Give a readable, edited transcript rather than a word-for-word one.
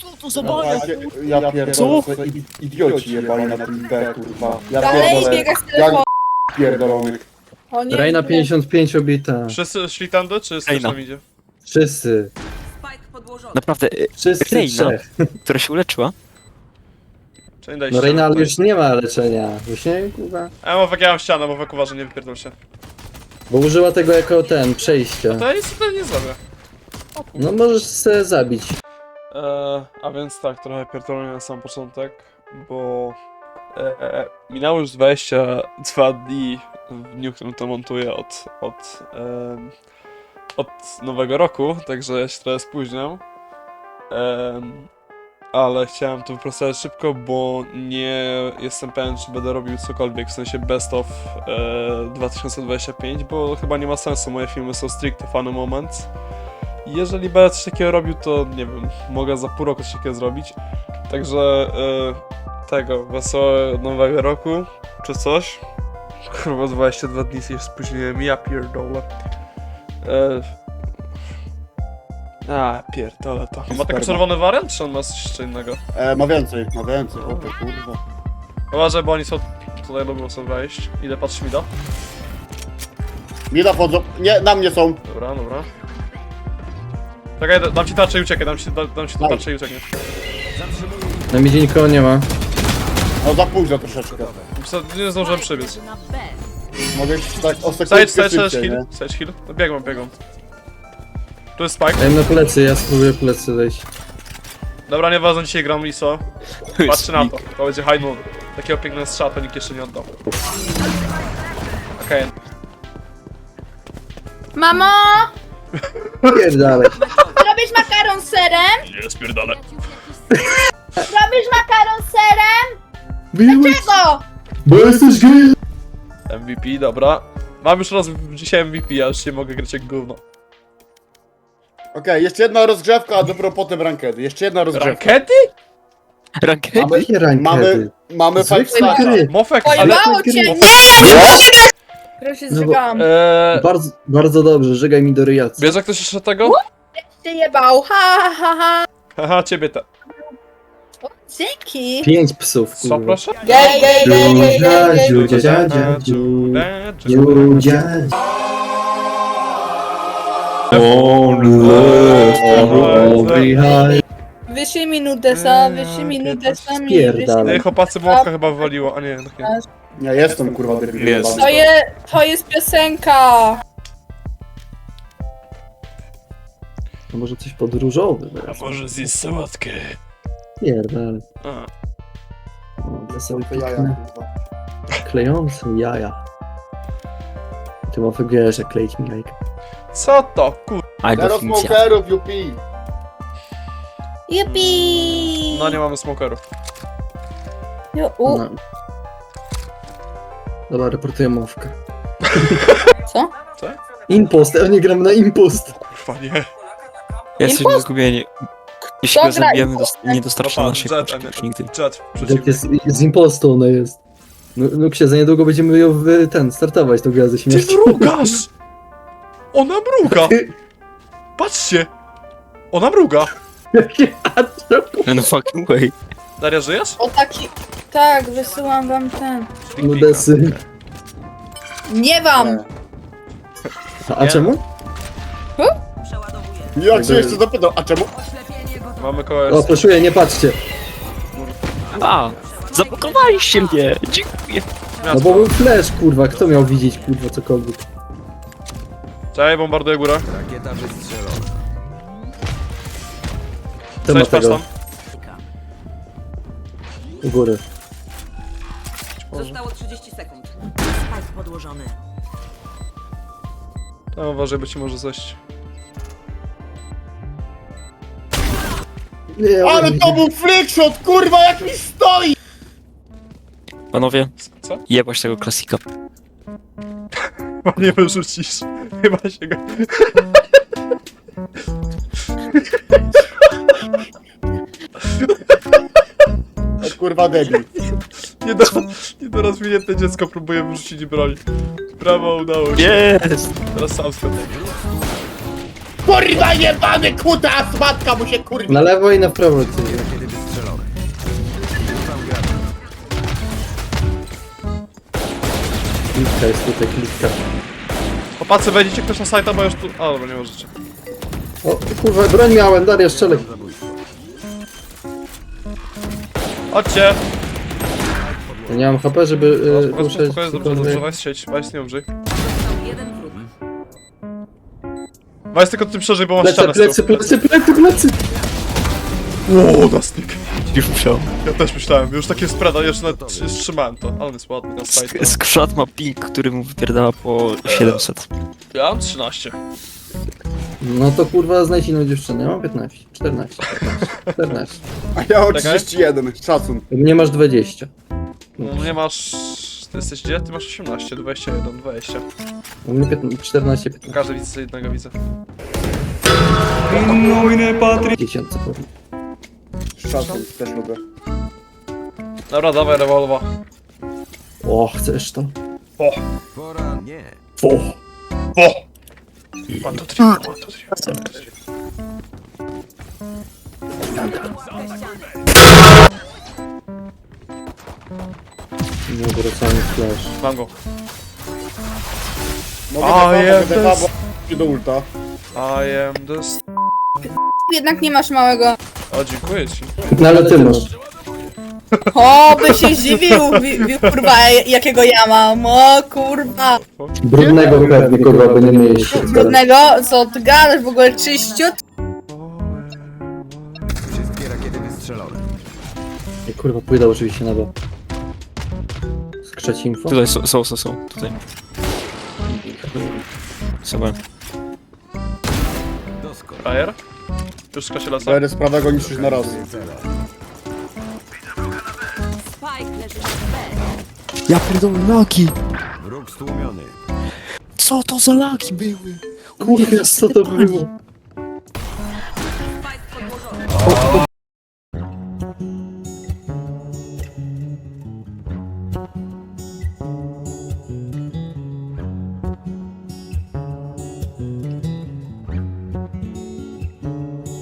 to za bania? Ja pierdolę, idioci jebali na tym B, kurwa. Ja Dalej pierdolę, biega z telefonu. pierdolonych. O nie, Reina nie. 55 obita. Wszyscy szli tędy, czy z Reina. tam idzie? Wszyscy. Naprawdę, Wszyscy Reina, trzech. która się uleczyła? Czyli daj No ścianę Reina tutaj. już nie ma leczenia. Już nie, kurwa. A Mowek, ja mam ścianę, Mowek uważaj, nie wypierdol się. Bo użyła tego jako ten, przejścia. To ja nic tutaj nie zrobię. No możesz se zabić. A więc tak, trochę pierdolę na sam początek, bo minęło już 22 dni w dniu, w którym to montuję od nowego roku, także ja się trochę spóźniam. Ale chciałem to wyprostować szybko, bo nie jestem pewien, czy będę robił cokolwiek, w sensie best of 2025, bo chyba nie ma sensu, moje filmy są stricte funny moments. Jeżeli będę coś takiego robił, to nie wiem, mogę za pół roku coś takiego zrobić. Także tego, wesołego nowego roku, czy coś. Kurwa, 22 dni się spóźniłem, ja pierdolę. Pierdolę to. Ma taki czerwony wariant, czy on ma coś jeszcze innego? Ma więcej, o to kurwa. Uważaj, bo oni są tutaj lubią sobie wejść. Idę, patrz mi da. Mida wchodzą, nie, na mnie są. Dobra, dobra. Czekaj, dam ci tarczę i uciekaj, dam ci tu tarczę i uciekniesz. Na midzie nikogo nie ma. No za późno troszeczkę. Nie zdążyłem przebiec. Mogę tak o Stage, sekundkę stage, szybciej, heal, nie? stage heal. No, biegam. Tu jest Spike. Daj na plecy, ja spróbuję plecy wejść. Dobra, nieważne, dzisiaj gram ISO. Patrzcie na to, to będzie high noon. Takiego pięknego strzała to nikt jeszcze nie oddał. Okej. Mamo! Pierdalej. Robisz makaron z serem? Nie, spierdolę. Robisz makaron z serem? Biłeś, Czego? bo jesteś gej. MVP, dobra. Mam już raz dzisiaj MVP, ja już nie mogę grać jak gówno. Okej, jeszcze jedna rozgrzewka, a dopiero potem rankedy. Jeszcze jedna rozgrzewka. Rankety? Rankedy? Jakie rankedy? Mamy Zwykłe five stara. gry. Mofek, ale... Pojebało cię! gry. Nie! Proszę się No bo- zrzygałam. Bardzo, bardzo dobrze, żegaj mi do ryjacy. Bierze ktoś jeszcze tego? Się jebał, ha. Haha, ciebie te. O, dzięki. 5 psów, Co, kurwa. proszę? Gej. Wyszli mi nudesa, Spierdalaj. Ej, chłopacy, Mofka chyba wywaliło, a nie, tak nie. Ja jestem kurwa debil. Jest. To jest piosenka. No może coś podróżowe. A może zjeść sałatkę? Pierdalej. A. To są To jaja, piękne, kurwa. klejące jaja. Ty ma wiesz, jak kleić mi jajka. Co to, kur... A Zero definicja. smokerów, yupi. Jupi. No nie mamy smokerów. No. Dobra, reportuję mowkę. Co? Impost, ja nie gram na impost. Kurwa, nie. Jesteśmy zgubieni. Jeśli go Dobra, zabijemy, impost. nie dostarczy Dobra, naszej Jet, poczty już nigdy. Jet, Jak przeciwnik. jest z impostu ona jest. No księ, za niedługo będziemy ją startować tą grę ze Ty śmierci. mrugasz! Ona mruga! Patrzcie! Ona mruga! No fucking way. Daria, żyjesz? O taki... Tak, wysyłam wam ten. Nudesy. Nie wam! A czemu? Jak się jeszcze zapytał, a czemu? Mamy kogoś. O, proszę, nie patrzcie. A, zablokowaliście mnie. Dziękuję. No bo był flash, kurwa, kto miał widzieć, kurwa, cokolwiek. Czekaj, bombarduję górę. Kto ma Cześć, patrz tego tam. u góry? Zostało 30 sekund. Spike podłożony. No, uważaj, bo ci może zejść. Nie, Ale to był flickshot, kurwa, jak mi stoi! Panowie, Co? jebać tego klasika. Chyba nie wyrzucisz. Chyba się go... O, kurwa debil. Nie do rozwinięte dziecko próbuje wyrzucić broń. Brawo, udało się. Jest! Teraz sam skończę. Kurwa jebany kutas! Matka mu się kurwa! Na lewo i na prawo. Ty. Klitka jest tutaj, klitka. Chłopacy, wejdziecie ktoś na sajta, bo już tu... A, dobra, nie możecie. O kurwa, broń miałem, Daria, strzelaj. Chodźcie! Ja nie mam HP, żeby ruszać. Spokojnie, dobrze, dobrze, Wajs sieć, Wajs nie umrzyj. Został jeden wróg. Wajs tylko ty przeżyj, bo masz Plecy, ścianę z plecy, tyłu. plecy, plecy, plecy. Ło, Dustnik. Już musiał. Ja też myślałem, już takie spreda, jeszcze nawet trzymałem to, ale on jest ładny na sajta. Skrzat ma ping, który mu wypierdala po 700. Ja mam 13. No to kurwa znajdź inną dziewczynę. Ja mam 15, 14, 15, 14. A ja mam Czekaj. 31, szacun. Nie masz 20. No nie masz... Ty jesteś gdzie? Ty masz 18, 21, 20. U mnie 15, 14, 15. Każdy widzę, jednego widzę. 10 pewnie. Szacun, też lubię. Dobra, dawaj rewolwa. O, chcesz to? O! O! O! 1, 2, 3, 1, 2, 3. Nieodwracalny flash. Mam go. Mogę A, defa, jest. bo do ulta. I am the... Jednak nie masz małego. O, dziękuję ci. No ale ty masz. O, by się zdziwił, kurwa, jakiego ja mam. O, kurwa. Brudnego pewnie, kurwa, by nie myjesz się. Brudnego? Co ty gadasz? W ogóle czyściut? I kurwa, pójdę oczywiście na bo. Skrzeć info? Tutaj są. Tutaj. Sobie. Frajer? Już skoczy lasa? Będę z prawego niszczyć na raz. Spike leży na B. Ja pierdolę, laki! Co to za laki były? Kurwa, co to było?